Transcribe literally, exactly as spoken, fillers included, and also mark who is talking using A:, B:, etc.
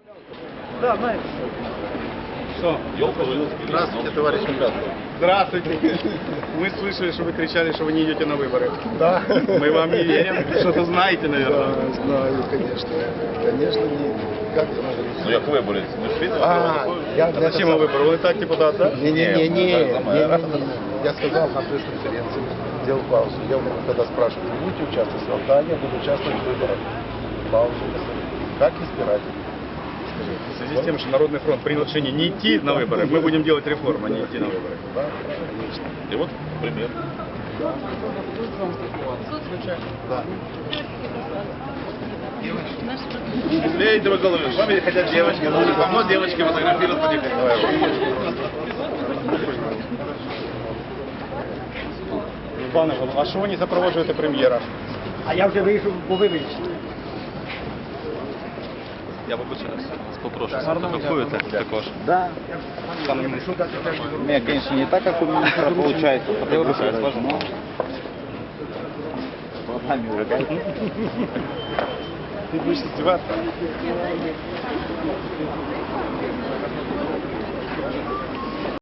A: Да, знаете. Что?
B: Здравствуйте, товарищ Мугатов.
A: Здравствуйте. Мы слышали, что вы кричали, что вы не идете на выборы.
B: Да.
A: Мы вам не верим. Что-то знаете, наверное.
B: Да, знаю, конечно. Конечно, не. Как это можно?
C: Ну, як виборець, ми ж видно,
B: А, я
A: А зачем вы выборы? Вы так депутат, да?
B: Не-не-не,
C: Не,
B: не,
C: за мэра.
B: я сказал на пресс-конференции, сделал паузу. Я у меня когда спрашивают, вы будете участвовать? Я сказал, да, я буду участвовать в выборах. Паузу. Как избирать?
A: В связи с тем, что Народный фронт принял решение не идти на выборы, мы будем делать реформу, а не идти на выборы.
B: Да, конечно.
C: І от примір.
B: Да.
C: Леонид Николаевич, с вами хотят девочки, нужно помочь девочке фотографировать потихоньку. Давай.
A: Пане Голово, а що ви не запроваджуєте прем'єра?
D: А я вже вийшов, бо ви вийшли.
E: Я вибачаюся, попрошу, сфотографуєте також.
D: Да.
E: Пане міністр. У меня, конечно, не так, как у министра получается. Я вибачаюсь, можна? Глазами уже как?
A: Ты будешь издеваться?